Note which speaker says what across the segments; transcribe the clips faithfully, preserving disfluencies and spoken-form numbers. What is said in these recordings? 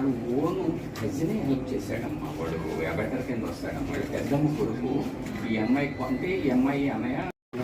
Speaker 1: వాడు own కజినే help చేశాడమ్మా. వాడు ఎబెటర్ కింద వస్తాడమ్మా. వాడు పెద్దమ్మ కొడుకు. ఈ అమ్మాయి కొంటే ఈ అమ్మాయి అన్నయ్య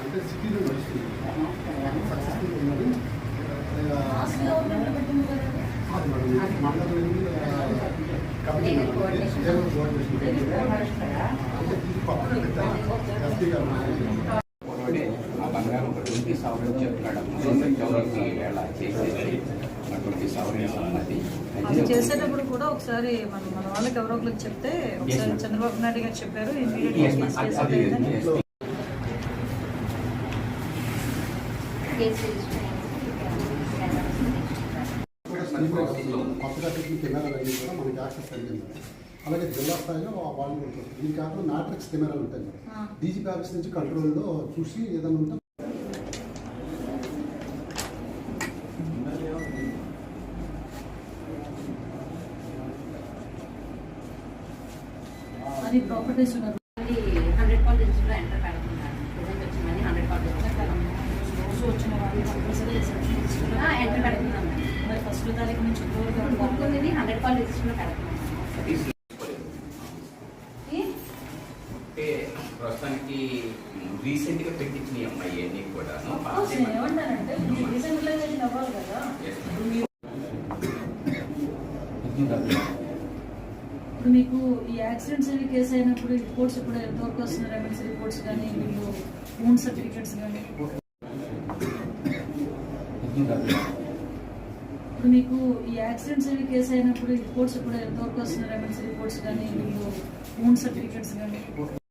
Speaker 1: ఆ బంగారం ఒక ట్వంటీ సవరన్ చెప్తున్నాడమ్మా. వేళ చేసేది ట్వంటీ సవరన్ అన్నది
Speaker 2: అది చేసేటప్పుడు కూడా ఒకసారి మన మన వాళ్ళకి ఎవరో ఒకరికి చెప్తే ఒకసారి చంద్రబాబు నాయుడు గారు చెప్పారు
Speaker 3: కొత్తగా పెట్టిన కెమెరాలు అన్నీ కూడా మనకి యాక్సెస్ కలిగింది. అలాగే జిల్లా స్థాయిలో వాళ్ళు ఉంటుంది. దీని కాకుండా మ్యాట్రిక్స్ కెమెరాలు ఉంటాయి మేడం. డీజీపీ ఆఫీస్ నుంచి కంట్రోల్లో చూసి ఏదైనా ఉంటే
Speaker 2: అది ప్రాపర్టీస్ ఉన్నారు.
Speaker 4: హండ్రెడ్ కాల్ రిజిస్టర్లో ఎంటర్ పెడుతున్నారు. ప్రజెంట్ వచ్చి మనీ హండ్రెడ్ కాల్
Speaker 2: రోజు వచ్చిన వాళ్ళు కంపల్సరీ
Speaker 4: ఎంటర్ పెడుతున్నాం.
Speaker 2: మరి ఫస్ట్ తారీఖు నుంచి
Speaker 4: గుర్తుంది హండ్రెడ్ కాల్ రిజిస్టర్లో పెడుతున్నాం.
Speaker 1: ప్రస్తుతానికి రీసెంట్ గా పెట్టించిన అమ్మాయి అన్ని కూడా
Speaker 2: ఏమంటారంటే డీసెంట్రలైజేషన్ అవ్వాలి కదా. ఇప్పుడు మీకు ఈ యాక్సిడెంట్స్ అవి కేసు అయినప్పుడు రిపోర్ట్స్ ఇప్పుడు ఎంతవరకు వస్తున్నారు? ఎమ్మెల్సీ రిపోర్ట్స్ కానీ వీళ్ళు ఓన్ సర్టిఫికేట్స్ కానీ ఇప్పుడు మీకు ఈ యాక్సిడెంట్స్ అవి కేసు అయినప్పుడు రిపోర్ట్స్ ఇప్పుడు ఎంతవరకు వస్తున్నారు? ఎమ్మెల్సీ రిపోర్ట్స్ కానీ వీళ్ళు ఓన్ సర్టిఫికేట్స్ కానీ